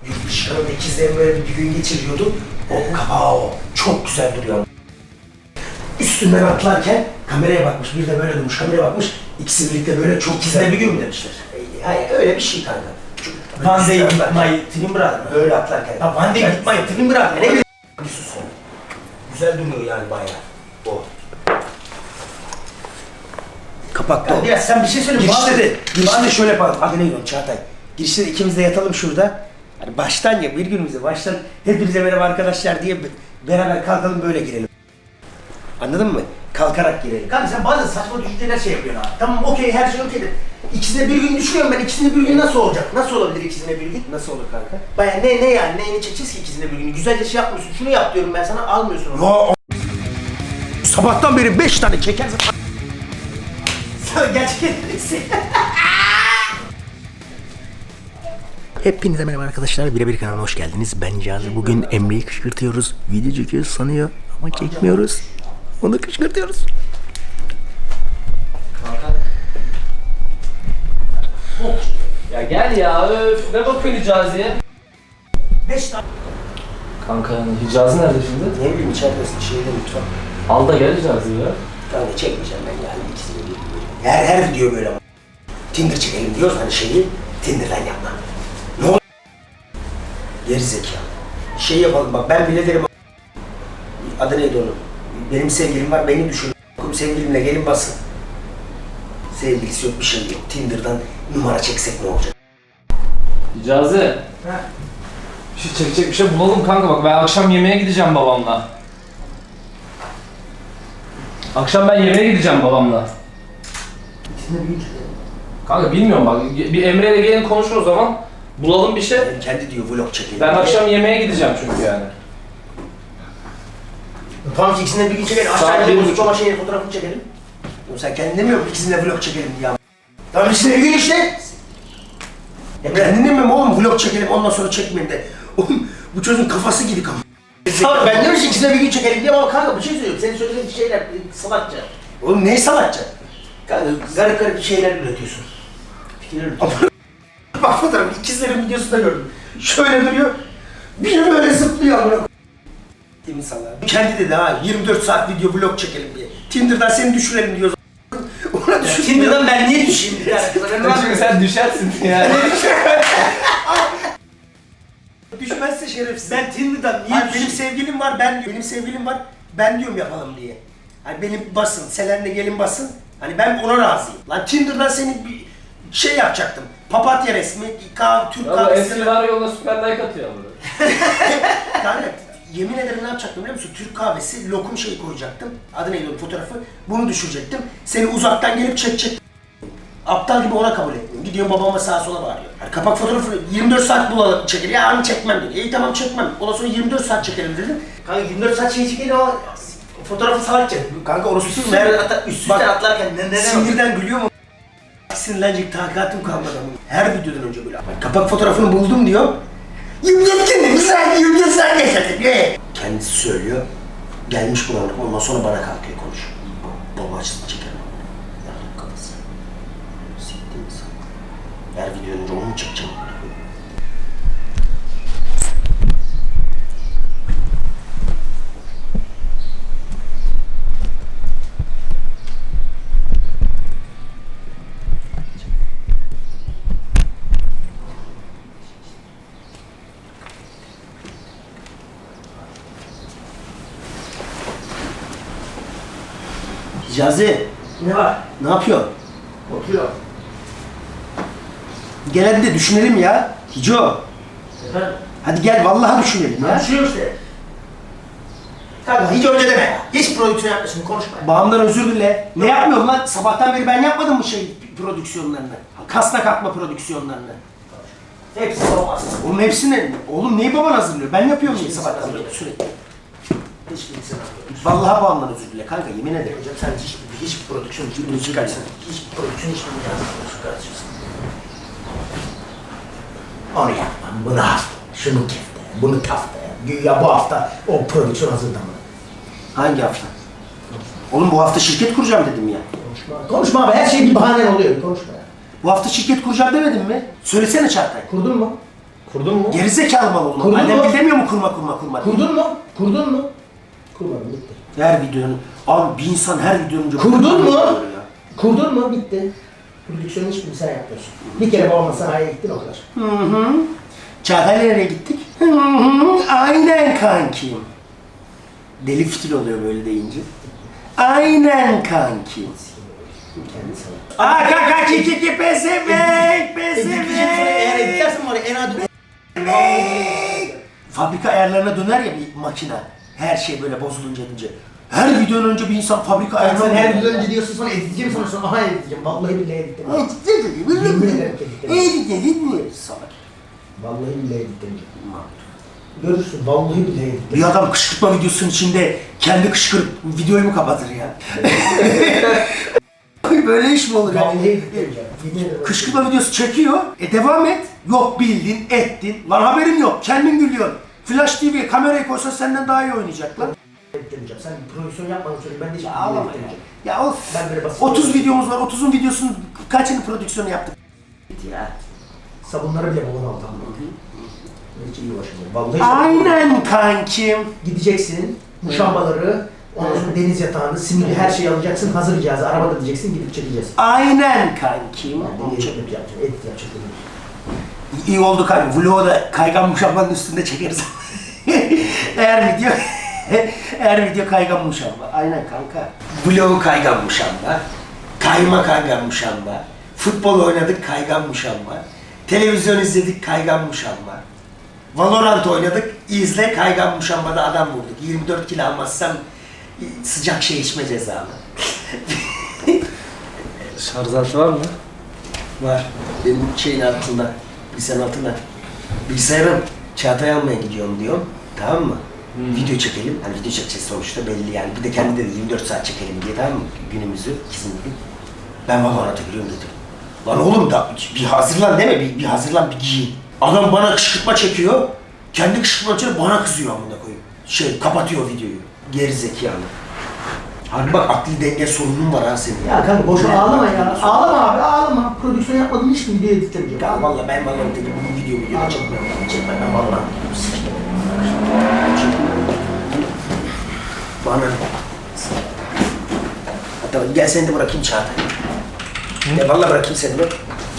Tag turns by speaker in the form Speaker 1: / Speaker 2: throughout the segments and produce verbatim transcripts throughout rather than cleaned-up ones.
Speaker 1: Yurt dışında ikizlerim böyle bir gün geçiriyordu. O kapağı o. Çok güzel duruyor. Üstünden atlarken kameraya bakmış, bir de böyle durmuş, kameraya bakmış. İkisi birlikte böyle çok ikizler bir gün mü demişler. Hayır, öyle bir şey kanka. One day with my twin brother. Böyle atlarken. Ha, one day with my twin brother. Ne bileyim. Bir sus. Güzel duruyor yani bayağı. O. Kapakta o. Biraz sen bir şey söyle. Girişte de, girişte de şöyle yapalım. Adı neydi o Çağatay? Girişte de ikimiz de yatalım şurada. Hani baştan ya, bir günümüze baştan hepinize merhaba arkadaşlar diye beraber kalkalım böyle girelim. Anladın mı? Kalkarak girelim. Kanka sen bazen saçma düşünceler şey yapıyorsun abi. Tamam okey, her şey okeydir. İkisine bir gün düşünüyorum ben, ikisine bir gün nasıl olacak? Nasıl olabilir ikisine bir gün? Nasıl olur kanka? Baya ne ne yani, neyini çekeceğiz ki ikisine bir gün? Güzelce şey yapmıyorsun, şunu yap diyorum ben sana, almıyorsun onu. Ya sabahtan beri beş tane çekersin. Sen gerçekten Hepinize merhaba arkadaşlar, Birebir kanalına hoş geldiniz. Ben Cazi. Bugün Emre'yi kışkırtıyoruz. Video çekiyoruz sanıyor ama çekmiyoruz. Onu kışkırtıyoruz.
Speaker 2: Ya gel ya, öf, ne bakıyorsun Hicazi'ye?
Speaker 1: Beş tane.
Speaker 2: Kanka yani Hicazi nerede şimdi?
Speaker 1: Ne bileyim, içeridesin, şeyde lütfen.
Speaker 2: Al da gel Hicazi'yi ya.
Speaker 1: Kanka çekmeyeceğim ben yani, ikisini bir böyle. Her, her video böyle ama. Tinder çekelim diyoruz hani şeyi, Tinder'dan yapma. Ne olur? Gerizekalı. Şey yapalım bak, ben bile derim. Adı neydi onun? Benim sevgilim var, beni düşün. Sevgilimle gelin basın. Sevgilisi yok, bir şey yok. Tinder'dan numara çeksek ne olacak?
Speaker 2: Hicazi.
Speaker 1: Ha.
Speaker 2: Bir şey çekecek bir şey bulalım kanka, bak ben akşam yemeğe gideceğim babamla. Akşam ben yemeğe gideceğim babamla.
Speaker 1: İkisini bir çekelim.
Speaker 2: Kanka bilmiyorum bak, bir Emre ile gelin konuşur o zaman. Bulalım bir şey.
Speaker 1: Yani kendi diyor vlog çekelim.
Speaker 2: Ben
Speaker 1: diye.
Speaker 2: akşam yemeğe gideceğim çünkü yani.
Speaker 1: Tamam ikisinden bir gün çekelim.
Speaker 2: Saat
Speaker 1: Aşağıya
Speaker 2: bir
Speaker 1: bozuk
Speaker 2: buçuk.
Speaker 1: baba şeyin fotoğrafını çekelim. Oğlum sen kendin demiyor musun ikisinden vlog çekelim diye. Tamam ikisinden bir gün işte. Ya kendin demiyor musun oğlum vlog çekelim ondan sonra çekmeyin de. Oğlum bu çocuğun kafası gidik ama. Tamam ben diyorum ki ikisinden bir gün çekelim diye ama kanka bir şey söylüyorum. Senin söylediğin şeyler salakça. Oğlum ne salakça? Kanka garip garip şeyler üretiyorsun. Fikirler üretiyorsun. Bak fotoğrafı ikizlerin videosunda gördüm. Şöyle duruyor. Biri böyle zıplıyor amına. Değil mi salak? Kendi dedi ha yirmi dört saat video vlog çekelim diye. Tinder'dan seni düşürelim diyor. Ona düşür. Tinder'dan ben niye düşeyim bir tane?
Speaker 2: Çünkü sen düşersin yani.
Speaker 1: Düşmezse şerefsiz. Ben Tinder'dan niye Hayır, benim sevgilim var ben benim sevgilim var. Ben diyorum yapalım diye. Hani benim basın, Selen'le gelin basın. Hani ben ona razıyım. Lan Tinder'dan seni bir şey yapacaktım. Papatya resmi, kahve, Türk
Speaker 2: Ya bu
Speaker 1: kahvesi.
Speaker 2: eski var yoluna süper like atıyor bunu.
Speaker 1: Yani yemin ederim ne yapacaktım biliyor musun? Türk kahvesi, lokum şeyi koyacaktım. Adı neydi o fotoğrafı? Bunu düşürecektim. Seni uzaktan gelip çekecek. Aptal gibi ona kabul etmiyorum. Gidiyorum babama sağa sola bağırıyor. Yani kapak fotoğrafını yirmi dört saat bulalım çekelim. Ya hani çekmem dedi. İyi tamam çekmem. Ondan sonra yirmi dört saat çekelim dedim. Kanka yirmi dört saat şey çekelim ama fotoğrafı salakça. Kanka orası üstü üstüne atlarken ne ne sinirden gülüyor mu? Sinirlenecek takatım kalmadı ama. Her videodan önce böyle. Bak, kapak fotoğrafını buldum diyor. yirmi dört gün güzel yirmi dört saat geçti. Kendisi söylüyor. Gelmiş bulanık ondan sonra bana kalkıyor konuşuyor. Baba açısını çeker. Yardım kafası. Siktir insan. Her videonun önce onu mu çekeceğim? Hicazi. Ne var? Ne yapıyorsun? Oturuyor. Gel hadi de düşünelim ya. Hico. Efendim? Hadi gel vallahi düşünelim ya. Düşünüyor işte. Kanka hiç öyle deme ya. Hiç prodüksiyon yapmıyorsun, konuşma. Bağımdan özür dile. Ne yapmıyorum lan? Sabahtan beri ben yapmadım mı şey prodüksiyonlarını? Kasna katma prodüksiyonlarını. Hepsi olmaz. Oğlum hepsini, oğlum neyi baban hazırlıyor? Ben yapıyorum ya sabahtan beri sürekli. Hiç kimse vallahi bağımdan özür dile kanka, yemin ederim. Hocam sen hiç, hiç prodüksiyon hiç çıkarsın. Hiç prodüksiyon hiç bilmiyorsun kardeşim. Onu yapmam, bunu hafta, şunu kefte, bunu kafta. Güya bu hafta o prodüksiyon hazırda mı? Hangi hafta? Oğlum bu hafta şirket kuracağım dedim ya. Konuşma. Konuşma abi, her şey bir bahanen oluyor. Konuşma ya. Bu hafta şirket kuracağım demedim mi? Söylesene Çağatay. Kurdun mu?
Speaker 2: Kurdun mu?
Speaker 1: Gerizekalı mal olma.
Speaker 2: Kurdun
Speaker 1: Annem
Speaker 2: mu?
Speaker 1: bilemiyor mu kurma kurma kurma?
Speaker 2: Kurdun mu? Kurdun mu? Kurmadım, bitti.
Speaker 1: Her videonun, abi bir insan her videonun önce...
Speaker 2: Kurdun mu? Kurdun mu? Bitti. Prodüksiyonun hiçbirini sen yapmıyorsun. Bir kere babamla sanayiye gittin o kadar.
Speaker 1: Hı hı. Çağatay'la nereye gittik? Hı hı. Aynen kankim. Deli fitil oluyor böyle deyince. Aynen kankim.
Speaker 2: Kendi sana.
Speaker 1: Aa kanka kiki ki pesefek
Speaker 2: Eğer
Speaker 1: pesefek.
Speaker 2: editlersen var ya en adi...
Speaker 1: Fabrika ayarlarına döner ya bir makine. Her şey böyle bozulunca edince. Her videonun önce bir insan fabrika
Speaker 2: Sen
Speaker 1: ayarlarına
Speaker 2: her
Speaker 1: döner.
Speaker 2: videodan önce diyorsun sonra editeceğim sonra sonra aha editeceğim. Vallahi billahi editlemeyeceğim. Yemin ederim ki editlemeyeceğim.
Speaker 1: Salak.
Speaker 2: Vallahi billahi editlemeyeceğim. Görürsün vallahi billahi editlemeyeceğim.
Speaker 1: Bir adam kışkırtma videosunun içinde kendi kışkırıp videoyu mu kapatır ya? Böyle iş mi olur ya?
Speaker 2: Vallahi editlemeyeceğim. Yemin ederim.
Speaker 1: Kışkırtma videosu çekiyor. E devam et. Yok bildin, ettin. Lan haberin yok. Kendin gülüyorsun. Flash T V'ye kamerayı koysan senden daha iyi oynayacak lan.
Speaker 2: Editlemeyeceğim. Sen prodüksiyon yapmadın sonra ben de hiç
Speaker 1: Ağlama ya.
Speaker 2: editlemeyeceğim.
Speaker 1: Ya of.
Speaker 2: Ben böyle basit
Speaker 1: otuz videomuz var. otuzun videosunun kaçını prodüksiyonu yaptık? Ya.
Speaker 2: Sabunları bile babam aldı. Hiç iyi uğraşmıyorum. Vallahi
Speaker 1: Aynen kankim.
Speaker 2: gideceksin, muşambaları, ondan sonra deniz yatağını, simidi her şeyi alacaksın, hazır cihazı, arabada diyeceksin, gidip çekeceğiz.
Speaker 1: Aynen kankim.
Speaker 2: Ben de edit yapacağım, edit yapacağım.
Speaker 1: İyi oldu kanka. Vlogu da kaygan muşambanın üstünde çekeriz. eğer video eğer video kaygan muşamba. Aynen kanka. Vlogu kaygan muşamba. Kayma kaygan muşamba. Futbol oynadık kaygan muşamba. Televizyon izledik kaygan muşamba. Valorant oynadık, izle kaygan muşambada adam vurduk. yirmi dört kilo almazsam sıcak şey içme cezalı.
Speaker 2: Şarj altı var mı?
Speaker 1: Var. Benim şeyin altında, bilgisayarın altında. Bilgisayarım Çağatay almaya gidiyorum diyorum. Tamam mı? Hmm. Video çekelim. Hani video çekeceğiz sonuçta belli yani. Bir de kendi dedi yirmi dört saat çekelim diye, tamam mı? Günümüzü, ikisini gün. Ben Valorant'a giriyorum dedim. Lan oğlum da bir hazırlan deme, bir, bir hazırlan, bir giyin. Adam bana kışkırtma çekiyor. Kendi kışkırtma çekiyor, bana kızıyor amına koyayım. Şey, kapatıyor videoyu. Geri zekalı. Harbi bak akli denge sorunun var ha senin.
Speaker 2: Ya kanka boşuna ağlama ya. Ağlama abi, ağlama. Prodüksiyon yapmadığım hiçbir video editlemeyeceğim.
Speaker 1: Ya valla ben valla dedim bu video video çekmiyorum. Çekmem ben valla. Bana. Hatta gel seni de bırakayım Çağatay. Ya valla bırakayım seni de.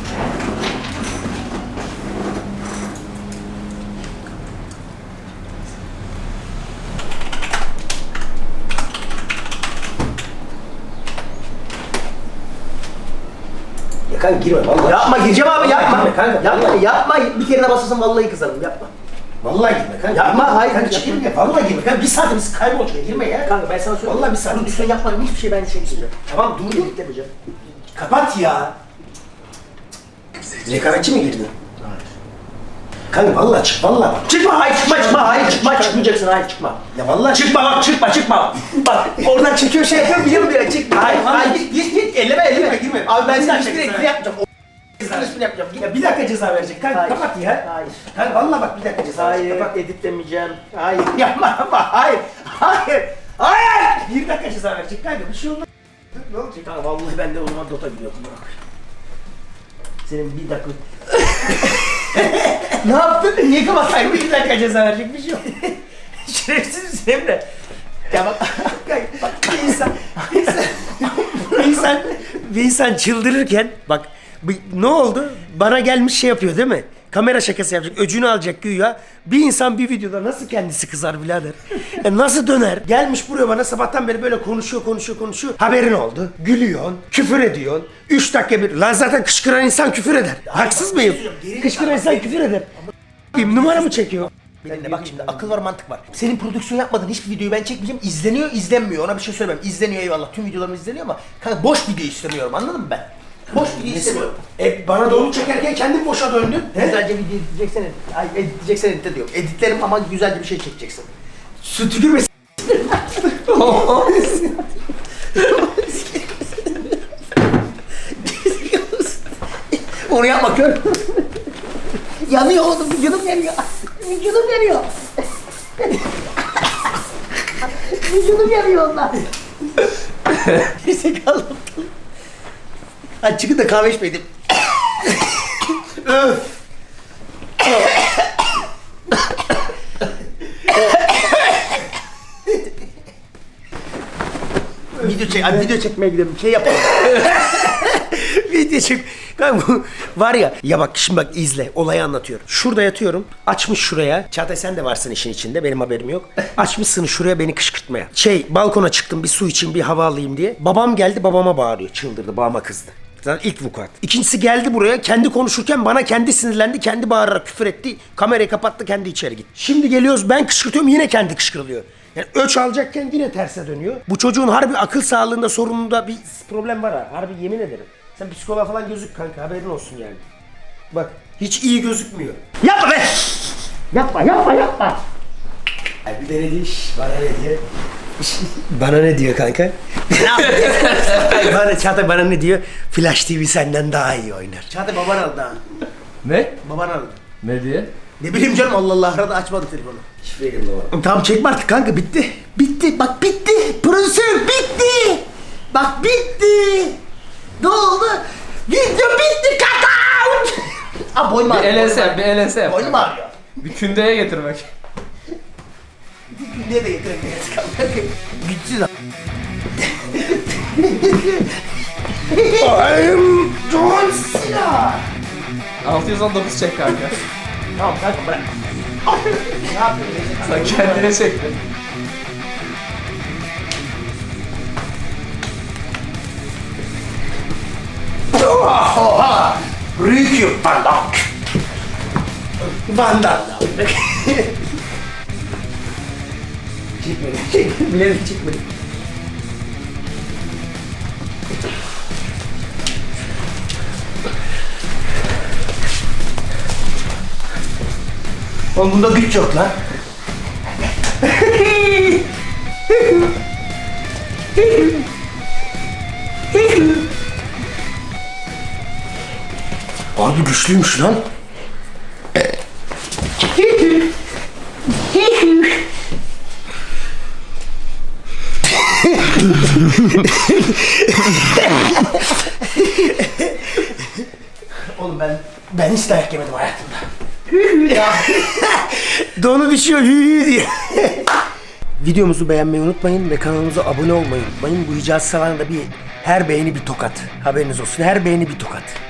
Speaker 1: Ya kanka girme vallahi.
Speaker 2: Yapma, gireceğim abi, yapma.
Speaker 1: Girme kanka.
Speaker 2: Yapma, yapma. Bir kere de basarsan vallahi kızarım, yapma.
Speaker 1: Vallahi girme kanka.
Speaker 2: Yapma, hayır.
Speaker 1: Kanka hiç girme. Vallahi girme. Kanka bir saatimiz kaybolacak. Girme ya.
Speaker 2: Kanka ben sana söyleyeyim.
Speaker 1: Vallahi bir saat.
Speaker 2: Prodüksiyon yapmadım, hiçbir şey ben çekmeyeceğim.
Speaker 1: Tamam dur dur.
Speaker 2: Editlemeyeceğim.
Speaker 1: Kapat ya. Rekabetçi mi girdin?
Speaker 2: Hayır.
Speaker 1: Kanka vallahi çık vallahi bak.
Speaker 2: Çıkma, hayır çıkma, çıkma, hayır çıkma, çıkmayacaksın, hayır çıkma.
Speaker 1: Ya vallahi çık.
Speaker 2: Çıkma bak, çıkma, çıkma. Bak, oradan çekiyor şey yapıyorum, biliyorum böyle, çıkma. Hayır, hayır, git, git, git, elleme, elleme.
Speaker 1: Girme, girme.
Speaker 2: Abi ben
Speaker 1: Bir
Speaker 2: sana
Speaker 1: dakika,
Speaker 2: hiçbir
Speaker 1: bir
Speaker 2: editini yapmayacağım. Sen hiçbirini yapmayacağım. Git.
Speaker 1: Ya bir dakika ceza verecek. Kanka
Speaker 2: Hayır.
Speaker 1: kapat ya.
Speaker 2: Hayır.
Speaker 1: Kanka vallahi bak bir dakika ceza verecek.
Speaker 2: Hayır,
Speaker 1: Kapat.
Speaker 2: editlemeyeceğim. Hayır, yapma, yapma, hayır. Hayır,
Speaker 1: Hayır. Bir dakika ceza verecek. Kanka bir şey olmaz. Ne olacak?
Speaker 2: Kanka vallahi ben de o zaman Dota biliyordum, bırak. Senin bir dakika...
Speaker 1: Ne yaptın? Niye kapatayım? Bir dakika ceza verecek bir şey yok.
Speaker 2: Şerefsiz misin Emre? Ya bak,
Speaker 1: Kanka bak bir insan, bir insan, bir insan, bir insan çıldırırken bak bir- ne oldu? Bana gelmiş şey yapıyor değil mi? Kamera şakası yapacak, öcünü alacak güya. Bir insan bir videoda nasıl kendisi kızar birader? E nasıl döner? Gelmiş buraya bana sabahtan beri böyle konuşuyor, konuşuyor, konuşuyor. Haberin oldu. Gülüyorsun, küfür ediyorsun. Üç dakika bir... Lan zaten kışkıran insan küfür eder. Haksız mıyım? Kışkıran insan küfür eder. Bir numara mı çekiyor?
Speaker 2: Benimle bak şimdi akıl var, mantık var. Senin prodüksiyon yapmadığın hiçbir videoyu ben çekmeyeceğim. İzleniyor, izlenmiyor. Ona bir şey söylemem. İzleniyor eyvallah. Tüm videolarım izleniyor ama kanka boş video istemiyorum. Anladın mı ben? Boş video istemiyorum.
Speaker 1: E bana da onu çekerken kendin boşa döndün. He?
Speaker 2: Güzelce video editleyeceksen edit. Ay editleyeceksen editle diyorum. Editlerim ama güzelce bir şey çekeceksin.
Speaker 1: Su tükürme.
Speaker 2: Onu yapma kör. Yanıyor oğlum, vücudum yanıyor. Vücudum yanıyor. Vücudum yanıyor ondan. Gerizekalı. Hadi çıkın da kahve içmeyelim. Öf. video çek, abi video çekmeye gidiyorum. Şey yapalım. Video çek. Kanka bu var ya, ya bak şimdi bak izle, olayı anlatıyorum. Şurada yatıyorum, açmış şuraya. Çağatay sen de varsın işin içinde, benim haberim yok. Açmışsın şuraya beni kışkırtmaya. Şey, balkona çıktım bir su içeyim, bir hava alayım diye. Babam geldi, babama bağırıyor, çıldırdı, babama kızdı. Zaten ilk vukuat. İkincisi geldi buraya, kendi konuşurken bana kendi sinirlendi, kendi bağırarak küfür etti. Kamerayı kapattı, kendi içeri gitti. Şimdi geliyoruz, ben kışkırtıyorum, yine kendi kışkırılıyor. Yani öç alacakken yine terse dönüyor. Bu çocuğun harbi akıl sağlığında, sorununda bir problem var ha. Harbi yemin ederim. Sen psikoloğa falan gözük kanka, haberin olsun yani. Bak hiç iyi gözükmüyor. Yapma be! Yapma yapma yapma! Ay bir de ne diyor? Bana ne diyor? Bana ne diyor kanka? bana, Çağatay bana ne diyor? Flash T V senden daha iyi oynar. Çağatay baban aldı ha.
Speaker 3: Ne?
Speaker 2: Baban aldı.
Speaker 3: Ne diye?
Speaker 2: Ne bileyim canım, Allah Allah, arada açmadı telefonu.
Speaker 1: Şifre girdi baba.
Speaker 2: Tamam çekme artık kanka, bitti. Bitti bak, bitti. Prodüksiyon bitti. Bak bitti. Ne oldu? Video bitti kaka. Aa boyum
Speaker 3: Bir
Speaker 2: ağrıyor.
Speaker 3: el ense yap, bir el ense yap.
Speaker 2: Boynum ağrıyor.
Speaker 3: Bir kündeye getirmek.
Speaker 2: Niye de getiremiyoruz kanka? Güçsüz abi. I'm John Cena.
Speaker 3: altı yüz on dokuz çek kanka.
Speaker 2: Tamam kanka bırak. Ne yapıyorsun?
Speaker 3: Sen kendine çektin.
Speaker 2: Oha! Ryukyu Van Damme. Van Damme. Çekmedim, çekmedim, bilerek çekmedim. Oğlum bunda güç yok lan. Abi güçlüymüş lan. Oğlum ben ben hiç dayak yemedim hayatımda. Ya. Donu düşüyor hü hü diye. Videomuzu beğenmeyi unutmayın ve kanalımıza abone olmayı unutmayın. Bu Hicazi Salan'da bir her beğeni bir tokat. Haberiniz olsun. Her beğeni bir tokat.